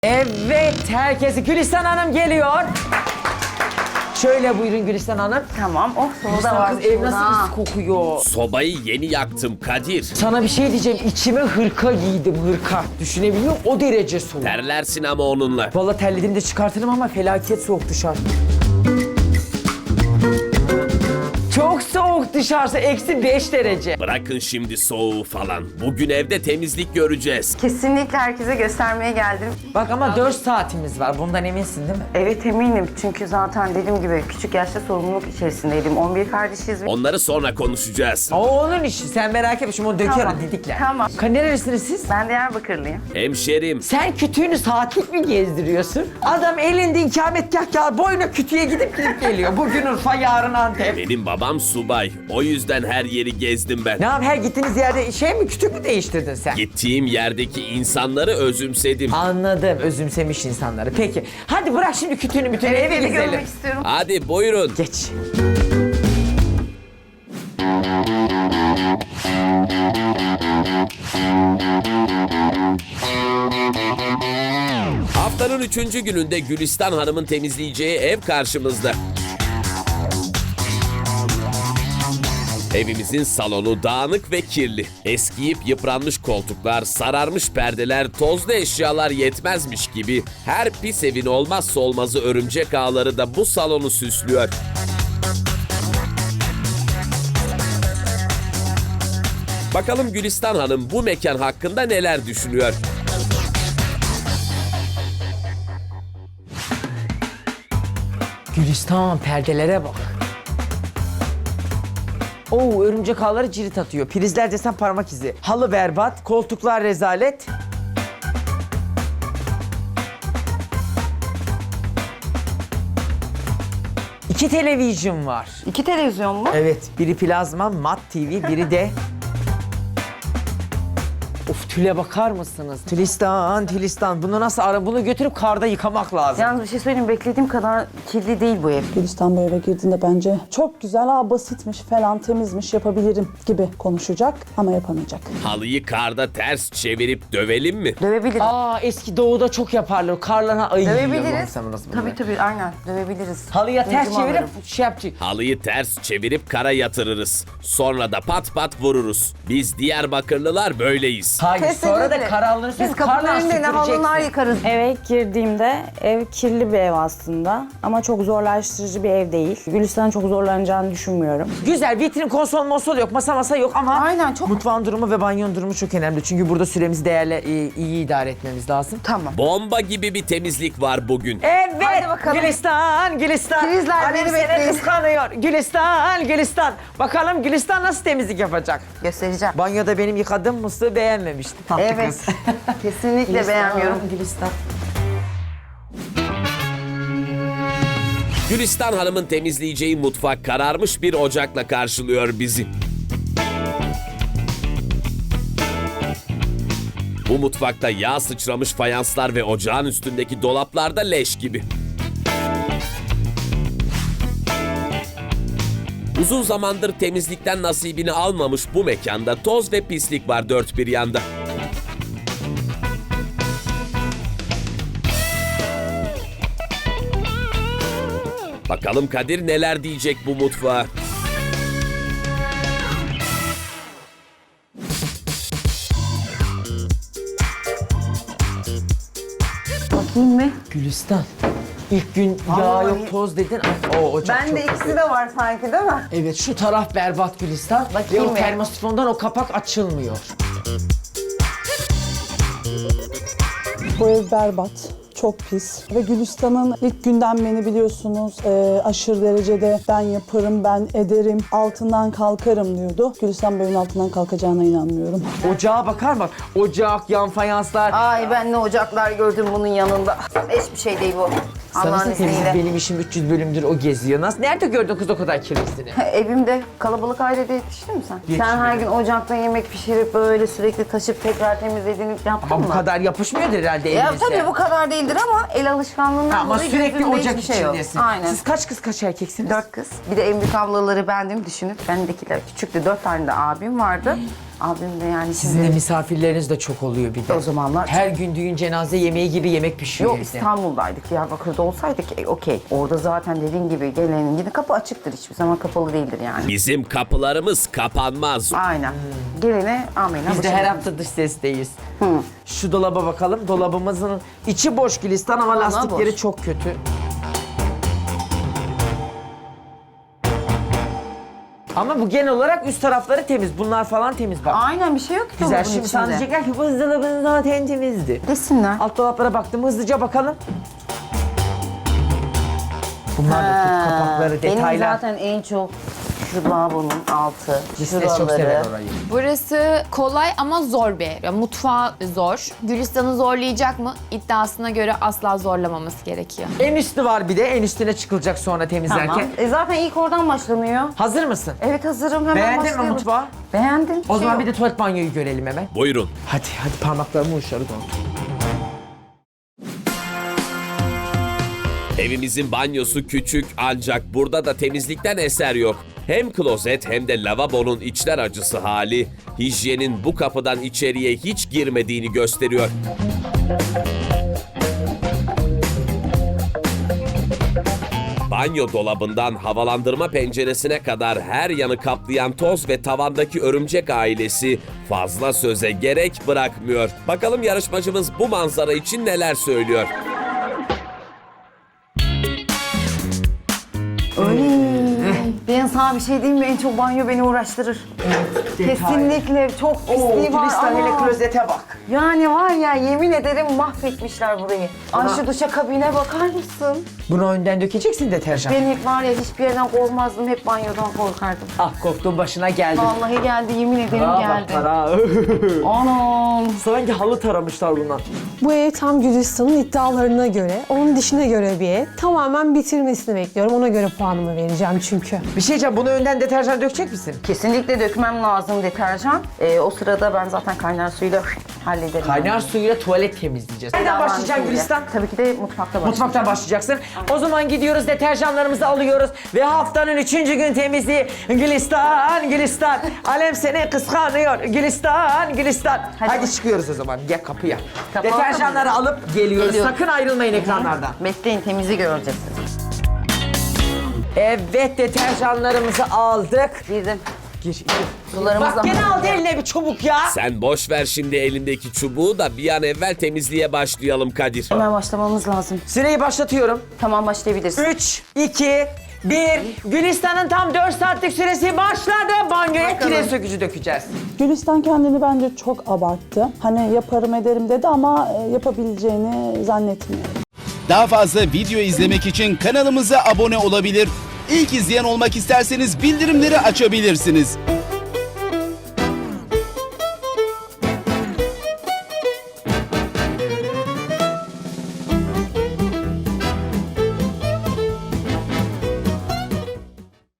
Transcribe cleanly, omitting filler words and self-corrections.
Evet, herkesi Gülistan Hanım geliyor. Şöyle buyurun Gülistan Hanım. Tamam. Oh, soğuda Gülistan var. kız ev nasıl pis kokuyor. Sobayı yeni yaktım Kadir. Sana bir şey diyeceğim, içime hırka giydim, hırka. Düşünebiliyor musun? O derece soğuk. Terlersin ama onunla. Vallahi terlediğimde çıkartırım ama felaket soğuk dışarı. Çok soğuk dışarısı, -5 derece. Bırakın şimdi soğuğu falan. Bugün evde temizlik göreceğiz. Kesinlikle herkese göstermeye geldim. Bak ama 4 saatimiz var, bundan eminsin değil mi? Evet eminim çünkü zaten dediğim gibi küçük yaşta sorumluluk içerisindeydim. 11 kardeşiz. Onları sonra konuşacağız. O onun işi, sen merak etme, şimdi onu döker Tamam, o didikler. tamam. Nerelisiniz siz? Ben Diyarbakırlıyım. Hemşerim. Sen kütüğünü saatlik mi gezdiriyorsun? Adam elinde ikametgah kağıdı boyuna kütüğe gidip geliyor. Bugün Urfa, yarın Antep. Benim babam subay. O yüzden her yeri gezdim ben. Ne yap, her gittiğiniz yerde kütük mü değiştirdin sen? Gittiğim yerdeki insanları özümsedim. Anladım, özümsemiş insanları. Peki, hadi bırak şimdi kütüğünü bütün eve Evi gezelim. görmek istiyorum. Hadi buyurun. Geç. Haftanın 3. gününde Gülistan Hanım'ın temizleyeceği ev karşımızda. Evimizin salonu dağınık ve kirli. Eskiyip yıpranmış koltuklar, sararmış perdeler, tozlu eşyalar yetmezmiş gibi her pis evin olmazsa olmazı örümcek ağları da bu salonu süslüyor. Bakalım Gülistan Hanım bu mekan hakkında neler düşünüyor? Gülistan, perdelere bak. Oo, örümcek ağları cirit atıyor. Prizler desen parmak izi. Halı berbat, koltuklar rezalet. İki televizyon var. 2 televizyon mu? Evet, biri plazma, mat TV, biri de... Of, tüle bakar mısınız? Tülistan. Bunu nasıl bunu götürüp karda yıkamak lazım. Yalnız bir şey söyleyeyim, beklediğim kadar kirli değil bu ev. Gülistan bu eve girdiğinde bence çok güzel, basitmiş falan, temizmiş, yapabilirim gibi konuşacak ama yapamayacak. Halıyı karda ters çevirip dövelim mi? Dövebiliriz. Aa, eski doğuda çok yaparlar. Karlarına ayı yiyor. Dövebiliriz. Tabii. Tabii aynen dövebiliriz. Halıya ters İncimi çevirip alırım. şey yapacak. Halıyı ters çevirip kara yatırırız. Sonra da pat pat vururuz. Biz Diyarbakırlılar böyleyiz. Hayır, sonra da Kesinlikle. karalları Biz kapının önünde ne halılar yıkarız. Eve ilk girdiğimde ev kirli bir ev aslında ama çok zorlaştırıcı bir ev değil. Gülistan'ın çok zorlanacağını düşünmüyorum. Güzel, vitrin, konsol yok, masa yok ama Aynen, çok- mutfağın durumu ve banyonun durumu çok önemli. Çünkü burada süremizi iyi idare etmemiz lazım. Tamam. Bomba gibi bir temizlik var bugün. Evet, Hadi bakalım. Gülistan. Prizler Annem beni seni bekleyin. kıskanıyor. Gülistan. Bakalım Gülistan nasıl temizlik yapacak? Göstereceğim. Banyoda benim yıkadığım musluğu beğenmemişti. Tatlı Evet. kız. Kesinlikle Gülistan, beğenmiyorum. Gülistan. Gülistan Hanım'ın temizleyeceği mutfak kararmış bir ocakla karşılıyor bizi. Bu mutfakta yağ sıçramış fayanslar ve ocağın üstündeki dolaplarda leş gibi. Uzun zamandır temizlikten nasibini almamış bu mekanda toz ve pislik var dört bir yanda. Bakalım Kadir neler diyecek bu mutfağa. Bakayım mı? Gülistan. İlk gün yağ Vallahi- yok, toz dedin. O ocak Bende çok ikisi güzel. de var sanki değil mi? Evet, şu taraf berbat Gülistan. Bakayım Ve o mı? termosifondan o kapak açılmıyor. Bu ev berbat, çok pis ve Gülistan'ın ilk günden beni biliyorsunuz aşırı derecede ben yaparım, ben ederim, altından kalkarım diyordu. Gülistan bu evin altından kalkacağına inanmıyorum. Ocağa bakar bak. Ocak, yan fayanslar. Ay ben ne ocaklar gördüm bunun yanında. Hiçbir şey değil bu. Allah'ın Sanırsın temizlik izniyle. benim işim 300 bölümdür o geziyor. Nasıl? Nerede gördün kız o kadar kirlisini? Evimde kalabalık ailede yetiştin mi sen? Yetişmedim. Sen her gün ocakta yemek pişirip böyle sürekli taşıp tekrar temizlediğini yaptın Ama mı? bu kadar yapışmıyordur herhalde Ya elinizde. tabii bu kadar değildir ama el alışkanlığından Ama dolayı sürekli gözümde ocak hiçbir şey yok. içindesin. Aynen. Siz kaç kız kaç erkeksiniz? 4 kız. Bir de en büyük ablaları bendim düşünüp bendekiler küçüktü. 4 tane de abim vardı. Abim de yani Sizin de şimdi... misafirleriniz de çok oluyor bir de. O zamanlar- Her gün düğün cenaze yemeği gibi yemek pişiyor Yok evde. İstanbul'daydık. Diyarbakır'da olsaydık okey. Orada zaten dediğin gibi gelenin yine kapı açıktır. Hiçbir zaman kapalı değildir yani. Bizim kapılarımız kapanmaz. Aynen. Gelene amenna. Biz de her hafta dış sesteyiz. Şu dolaba bakalım. Dolabımızın içi boş Gülistan ama Vallahi lastikleri boş. çok kötü. Ama bu genel olarak üst tarafları temiz. Bunlar falan temiz bak. Aynen bir şey yok ki Güzel. dolabın Şimdi içinde. sana diyecekler ki bu buzdolabı zaten temizdi. Desinler. Alt dolaplara baktım. Hızlıca bakalım. Bunlar da çok kapakları, Benim detaylar. zaten en çok şu lavabonun altı, Cisles çok sever şuraları. orayı. Burası kolay ama zor bir ev. Yani mutfağı zor. Gülistan'ı zorlayacak mı? İddiasına göre asla zorlamaması gerekiyor. En üstü var bir de. En üstüne çıkılacak sonra temizlerken. Tamam. Zaten ilk oradan başlanıyor. Hazır mısın? Evet hazırım hemen Beğendin mi başlayalım. mutfağı? Beğendim. O zaman bir de tuvalet banyoyu görelim hemen. Buyurun. Hadi parmaklarımı uçları doldur. Evimizin banyosu küçük ancak burada da temizlikten eser yok. Hem klozet hem de lavabonun içler acısı hali hijyenin bu kapıdan içeriye hiç girmediğini gösteriyor. Banyo dolabından havalandırma penceresine kadar her yanı kaplayan toz ve tavandaki örümcek ailesi fazla söze gerek bırakmıyor. Bakalım yarışmacımız bu manzara için neler söylüyor? Ben sana bir şey diyeyim mi? En çok banyo beni uğraştırır. Kesinlikle çok pisliği var Gülistan hele ama. klozete bak. Yani var ya yemin ederim mahvetmişler burayı. Ay şu duşakabine bakar mısın? Bunu önden dökeceksin deterjan. Ben hep var ya hiçbir yerden korkmazdım. Hep banyodan korkardım. Ah korktuğun başına geldi. Vallahi geldi yemin ederim geldi. Anam. Sanki halı taramışlar bundan. Bu ev tam Gülistan'ın iddialarına göre, onun dişine göre bir ev. Tamamen bitirmesini bekliyorum. Ona göre puanımı vereceğim çünkü. Bir şey diyeceğim, bunu önden deterjan dökecek misin? Kesinlikle dökmem lazım deterjan. O sırada ben zaten kaynar suyla hallederim. Kaynar suyla tuvalet temizleyeceğiz. Nereden başlayacaksın Gülistan? Tabii ki de mutfakta başlayacağım. Mutfaktan başlayacaksın. O zaman gidiyoruz, deterjanlarımızı alıyoruz ve haftanın 3. gün temizliği. Gülistan, Gülistan. Alem seni kıskanıyor. Gülistan, Gülistan. Hadi çıkıyoruz o zaman. Gel kapıya. Kapı Deterjanları alıp geliyoruz. Geliyorum. Sakın ayrılmayın ekranlardan. Bekleyin temizi göreceksiniz. Evet, deterjanlarımızı aldık. Girdim. Gir. Sularımız Bak gene aldı eline bir çubuk ya. Sen boş ver şimdi elindeki çubuğu da bir an evvel temizliğe başlayalım Kadir. Hemen başlamamız lazım. Süreyi başlatıyorum. Tamam başlayabilirsin. 3, 2, 1. Gülistan'ın tam 4 saatlik süresi başladı. Banyoya kireç sökücü dökeceğiz. Gülistan kendini bence çok abarttı. Hani yaparım ederim dedi ama yapabileceğini zannetmiyorum. Daha fazla video izlemek için kanalımıza abone olabilir. İlk izleyen olmak isterseniz bildirimleri açabilirsiniz.